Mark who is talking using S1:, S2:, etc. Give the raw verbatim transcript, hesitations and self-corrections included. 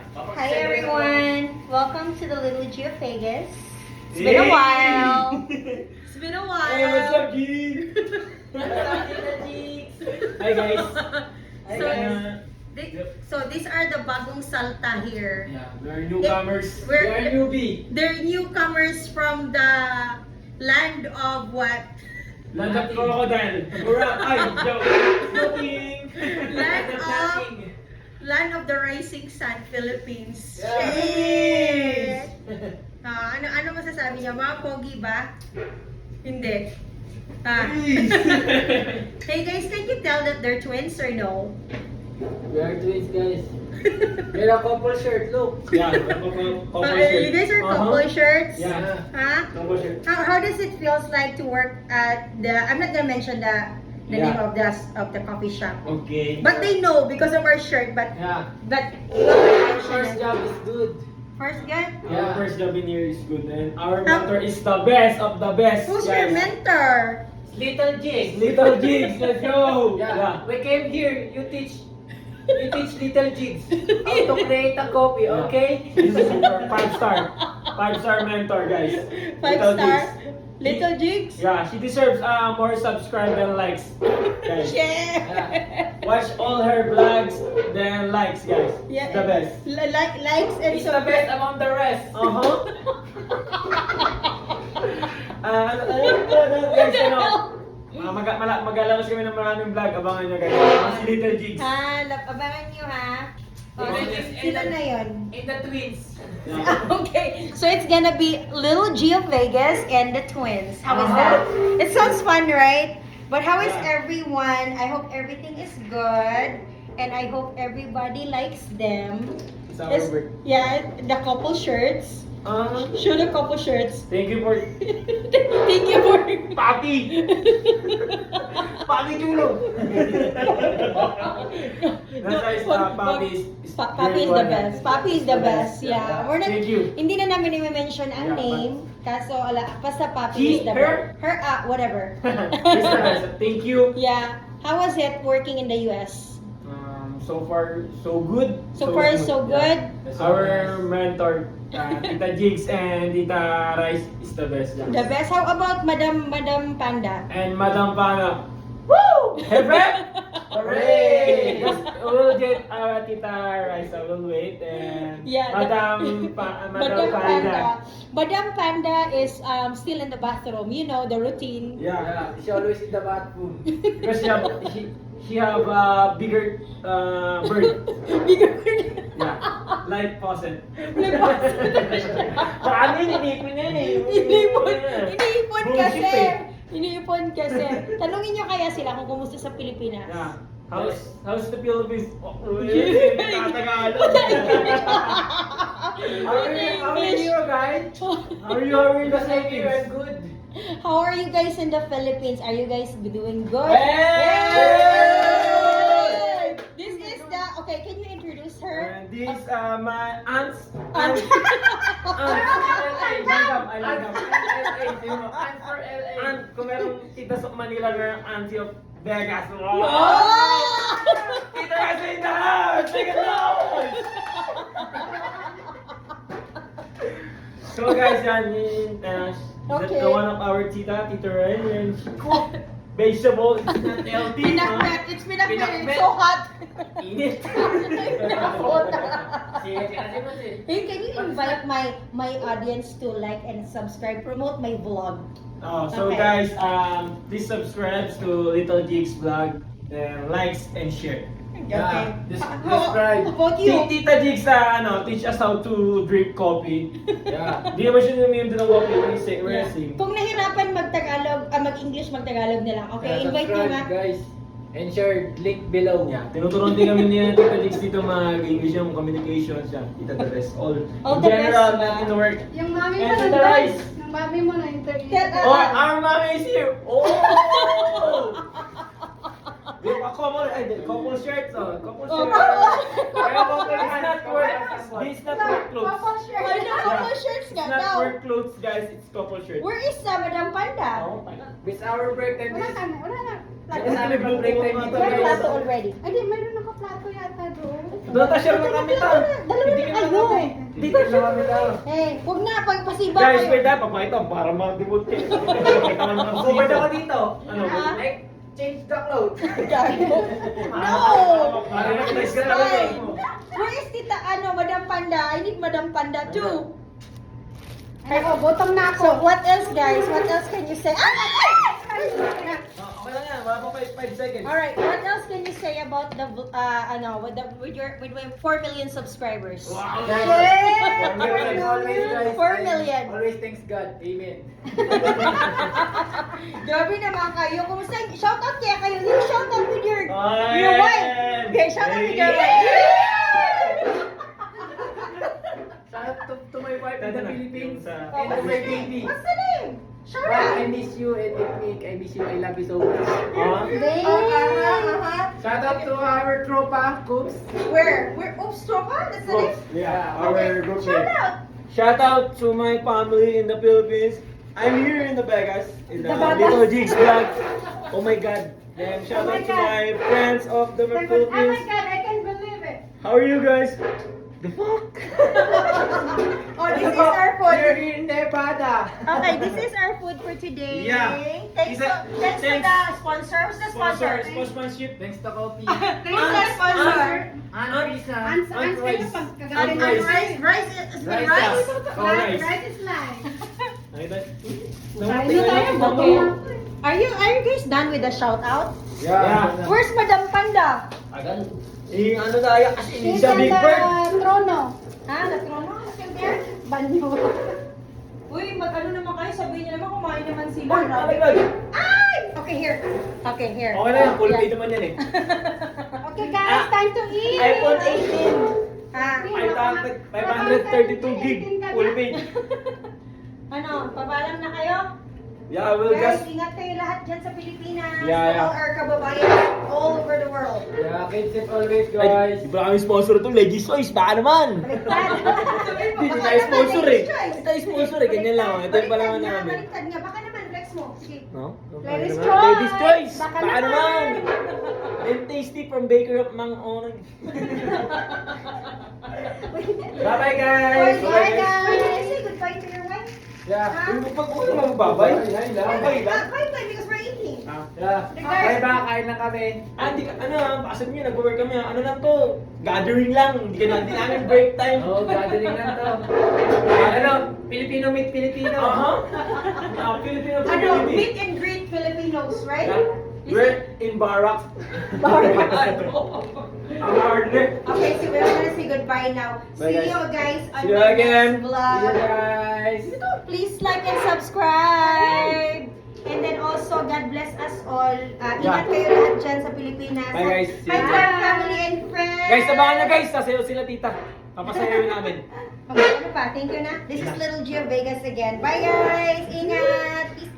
S1: Hi everyone! Welcome to the Little G of Vegas. It's been a while. It's been a while.
S2: Hey, what's up, G? Hi guys. Hi
S1: So,
S2: guys.
S1: They, so these are the bagong salta here.
S2: Yeah, we're newcomers.
S1: We're-
S2: we are newbie.
S1: They're newcomers from the land of what?
S2: Land of crocodile. Ura, ay, joke. Joking.
S1: Land of Land of the Rising Sun, Philippines.
S2: Yeah.
S1: Shit! Ah, ano ano masasabi niya? Mga pogi ba? Hindi. Ah. Hey guys, can you tell that they're twins or no?
S3: We are twins, guys. We're a couple shirt, look.
S2: Yeah, couple, couple
S1: Uh,
S2: shirt.
S1: you guys are
S2: Uh-huh.
S1: couple shirts?
S2: Yeah,
S1: Huh?
S2: couple shirt.
S1: How, how does it feels like to work at the, I'm not gonna mention the the
S2: Yeah.
S1: name of the of the coffee shop.
S2: Okay.
S1: But they know because of our shirt, but
S3: Yeah.
S1: but
S3: Our first job is good.
S1: First good?
S2: Our
S3: Yeah.
S2: first job in here is good, and our
S1: Um,
S2: mentor is the best of the best.
S1: Who's
S2: guys.
S1: your mentor?
S3: Little Jigs.
S2: Little Jigs, let's go.
S3: Yeah. We came here. You teach. You teach Little Jigs how to create a copy,
S2: Yeah.
S3: okay?
S2: This is our five star, five star mentor, guys.
S1: Five
S2: Little
S1: star?
S2: Jigs.
S1: Little Jigs?
S2: Yeah, she deserves uh, more subscribe and likes. Guys.
S1: Yeah.
S2: Watch all her vlogs, then likes, guys.
S1: Yeah.
S2: The best.
S1: Li- like likes and
S3: He's the best among the rest.
S2: Uh-huh. Ah, ano, ano, ano, ano, guys, ano? Uh, mag mala- mag-alabas kami ng maraming vlog. Abangan nyo, guys. Mga si Little Jigs.
S1: Ha, lab- abangan nyo ha. Oh,
S3: Little
S1: sino-
S3: Jigs
S1: sino
S3: and-
S1: na yun?
S3: In the twins.
S2: Yeah.
S1: Okay, so it's gonna be Little G of Vegas and the twins. How is
S2: Uh-huh.
S1: that? It sounds fun, right? But how is
S2: Yeah.
S1: everyone? I hope everything is good, and I hope everybody likes them.
S2: It's our
S1: Yes,
S2: work.
S1: yeah, the couple shirts.
S2: Uh,
S1: Show the couple shirts.
S2: thank you for...
S1: Thank you for.
S2: Papi! Papi Chulo! Nasa is, uh, Papi is... is
S1: Pa- Papi is the
S2: very
S1: best.
S2: good.
S1: Papi is the best. Yeah. We're not,
S2: Thank you.
S1: hindi na namin i-mention ang
S2: Yeah, but-
S1: name. Kaso, ala, basta Papi
S2: He,
S1: is the
S2: her?
S1: best. Her, ah, whatever.
S2: Yes, guys. Thank you.
S1: Yeah. How was it working in the U S?
S2: Um, so far, so good.
S1: So far,
S2: smooth.
S1: so good.
S2: Yeah. Our mentor, uh, Tita Jigs and Tita Rice is the best. Yeah.
S1: The best. How about Madam Madam Panda?
S2: And Madam Pana. Woo! Hebe! Hooray! Yes, we'll get uh, Tita Rice. I will wait. And
S1: Yeah,
S2: Madam, pa, uh, Madam
S1: Madam
S2: Panda.
S1: Panda. Madam Panda is um, still in the bathroom. You know the routine.
S2: Yeah.
S3: Yeah. She always in the bathroom.
S2: Because she have, she, she have a bigger uh, bird.
S1: Bigger.
S2: Yeah. Like faucet.
S1: Like faucet.
S2: Paano yun? Inipon yan eh.
S1: Iniipon, iniipon kasi.
S2: Bullshit eh.
S1: Iniipon kasi. Tanungin nyo kaya sila kung kumusta sa Pilipinas.
S2: Yeah. How's, how's the Philippines? Oh,
S1: Yeah.
S2: Tagalog.
S3: How are you, how are you guys?
S2: How are you? How are you?
S3: Because like you are good.
S1: How are you guys in the Philippines? Are you guys doing good?
S2: Hey!
S1: This is the, okay, can you introduce her?
S2: And this uh, my aunts.
S1: Aunt.
S2: Aunts. I like them. I like them.
S3: And for L A.
S2: Aunt, kung merong tita sa Manila na auntie of Vegas. Wow!
S1: Oh!
S2: Tita Rice in the house! Make it loud! So guys, yan yung uh,
S1: Okay.
S2: the one of our tita, Tita Rice, and she cook vegetable. It's not healthy.
S1: Pinakbet, it's pinakbet, it's
S2: Pinakbet.
S1: so hot.
S2: Init.
S1: Hey, can you invite my my audience to like and subscribe, promote my vlog?
S2: Oh, so
S1: Okay.
S2: guys, um, please subscribe to Little Jigs vlog, and likes and share.
S3: Yeah, this-
S1: How-
S3: describe.
S1: How about you?
S2: Ti- Tita Jigs, uh, ano, teach us how to drink coffee.
S3: Yeah.
S2: Di naman siya namin yung coffee when we say
S1: Yeah.
S2: racing.
S1: Kung nahirapan mag-Tagalog, ah, mag-English, mag-Tagalog na lang. Okay,
S3: Yeah,
S1: invite nyo
S3: subscribe,
S1: nga.
S3: guys. And share link below.
S2: Yeah, tinuturuan din kami ni Tita Jigs dito mag-English yung communication siya. Tita the rest. All,
S1: All
S2: in
S1: the
S2: general,
S1: best,
S2: not
S1: ba?
S2: in the work.
S4: Yung mami mo
S2: And
S4: nandun.
S2: Tita Rice.
S4: Yung mami mo na interview.
S1: Tita-
S2: Oh, our mommy is here! Oh! Yung couple, ay, the couple shirts, oh. Couple
S1: Oh,
S2: shirts.
S1: couple.
S2: Kaya couple it's not work, this is not work clothes.
S4: Couple shirt.
S1: Ay, no, couple shirts
S2: It's
S1: nga
S2: not
S1: daw.
S2: work clothes, guys. It's couple shirts.
S1: Where is uh, Madam Panda?
S2: Oh,
S3: With our break time
S4: Wala
S3: is...
S4: ka na, wala na.
S3: Kasi namin pag break time dito
S1: Where
S3: guys.
S1: plato already?
S4: Ay, di, mayroon nakaplato yata doon.
S2: Doon ta share na kami ta.
S1: Dalawa
S2: Hindi
S1: na.
S2: kami
S3: Dito na kami daw.
S1: Eh, huwag na, pagpasiba
S2: Guys,
S1: kayo.
S2: wait na, papakita ko para mag-debut kayo. Pakita ko naman
S3: Bumad ako dito.
S2: Ano?
S1: Ah.
S3: Like, change the clothes.
S1: Gago. No!
S2: Para mag-nice ka talaga.
S1: Ay, where is Tita, ano, Madam Panda? I need Madam Panda too.
S4: Ako, bottom na
S1: So,
S4: ako.
S1: what else, guys? What else can you say? Ah!
S2: Okay lang yan, wala pa five seconds.
S1: Alright, what else can you say about the, uh, ano, with the, with your, with your four million subscribers?
S2: Wow!
S3: Guys,
S4: Yeah!
S3: four million, always guys.
S1: Four million.
S3: Always thanks God. Amen.
S1: Grabe naman kayo. Kumusta? Shout out kaya kayo. You shout out with your,
S2: Ayan!
S1: your wife. Okay, shout out with your wife.
S3: Shout out to, to my wife in the Philippines.
S2: Sa-
S3: And to my baby.
S1: What's the name? Shout
S3: Wife, I
S1: out.
S3: miss you and Nick, I miss you. I love you so much.
S2: Ah?
S4: Babe.
S1: Uh-huh, uh-huh.
S3: Shout out to our tropa, Coops.
S1: Where? Where? Oops, Tropa? That's the name?
S2: Yeah,
S1: Okay,
S2: our group
S1: shout
S2: name.
S1: out.
S2: Shout out to my family in the Philippines. I'm here in the Vegas, in the
S4: The Vegas.
S2: Little Jigs vlog. Oh my God. Then shout
S4: Oh my
S2: out to
S4: God.
S2: my friends of the
S4: Oh my
S2: Philippines.
S4: God, I can't believe it.
S2: How are you guys? The fuck?
S1: Oh, this is our
S3: We're
S1: food.
S3: in Nevada.
S1: Okay, this is our food for today.
S2: Yeah.
S1: Thanks,
S2: Isa-
S1: to, thanks,
S2: thanks.
S1: to the sponsor. Who's the sponsor?
S2: Sponsorship.
S3: Thanks to Coffee.
S1: Thanks to the sponsor.
S3: Aunt Risa.
S4: Ans, ans kayo
S2: rice.
S4: pag
S2: Aunt
S4: kagaling
S1: And
S2: rice.
S1: rice, rice is
S3: Rice.
S1: rice.
S2: Oh, rice.
S4: Rice is life.
S2: Nakita?
S4: Kain na tayo, bottom na.
S1: Are you are you guys done with the shout out?
S2: Yeah.
S1: Where's Madam Panda?
S3: Agan.
S2: Eh, ano tayo? As in,
S4: She's
S2: sa
S4: on
S2: Big
S4: the
S2: Bird.
S4: trono.
S1: Ha? The trono? Still there?
S4: Banyo.
S1: Uy, mag-ano naman kayo? Sabihin niyo naman kumain naman sila.
S2: Uy,
S1: Grabe.
S2: oh my God.
S1: Ay! Okay, here. Okay, here.
S2: Okay na yan, full
S1: Yeah.
S2: pay naman yan eh.
S4: Okay guys, time to eat.
S2: iPhone eighteen.
S1: Ha?
S2: five hundred thirty-two gig. Full pay.
S1: Ano, pabalam na kayo?
S2: Yeah, we'll
S1: Guys,
S2: just...
S1: ingat kayo lahat dyan sa Pilipinas.
S2: Yeah,
S1: to all
S2: yeah.
S1: our kababayan all over the world.
S3: Yeah, keep safe always,
S2: Ay,
S3: guys.
S2: di ba kami sponsor ito? Legis Choice, baka naman. Hindi
S1: Baka
S2: tayo
S1: naman,
S2: sponsor eh.
S1: ladies' choice.
S2: Hindi tayo sponsor eh, ganyan lang. Ito yung palaman
S1: Baliktad nga,
S2: namin.
S1: baliktad nga. Baka naman, flex mo. Sige.
S2: No?
S4: Ladies'
S2: Baka naman.
S4: choice.
S2: Ladies Choice!
S4: Baka
S2: Baka naman!
S4: naman.
S2: Then tasty from Baker of Mang Onag. Bye-bye guys!
S4: Bye,
S1: Wait,
S4: guys.
S1: did you say goodbye to your wife?
S3: Yeah.
S1: Ha?
S2: Pag ko naman babay.
S3: Ay, lang.
S2: Babay lang.
S1: Ah, bye bye because we're eating.
S3: Yeah. Bye bye, kain na kami.
S2: Ah, di ka, ano ah, pasan nyo, nag-work kami ah. Ano lang to? Gathering lang. Hindi ka natin namin break time.
S3: Oh, gathering lang to. Ano, Filipino meet Filipino.
S2: Aha. Ah, Filipino
S1: Ano,
S2: community.
S1: meet and greet Filipinos, right?
S2: Yeah. We're in Barak. Ang hardly.
S1: Okay, so we're gonna say goodbye now.
S2: Bye,
S1: See
S2: guys.
S1: you guys on
S2: See you
S1: my
S2: again.
S1: next vlog.
S3: See you guys.
S1: Please like and subscribe. And then also, God bless us all. Uh, ingat
S2: Yeah.
S1: kayo lahat dyan sa Pilipinas.
S2: Bye, guys. See
S1: Hi
S2: you.
S1: to our family and friends.
S2: Guys, sabahan nyo guys. Sasayaw sila tita. Papasayaw namin.
S1: Okay, ano pa? Thank you na. This is Little Gio Vegas again. Bye guys! Ingat! Peace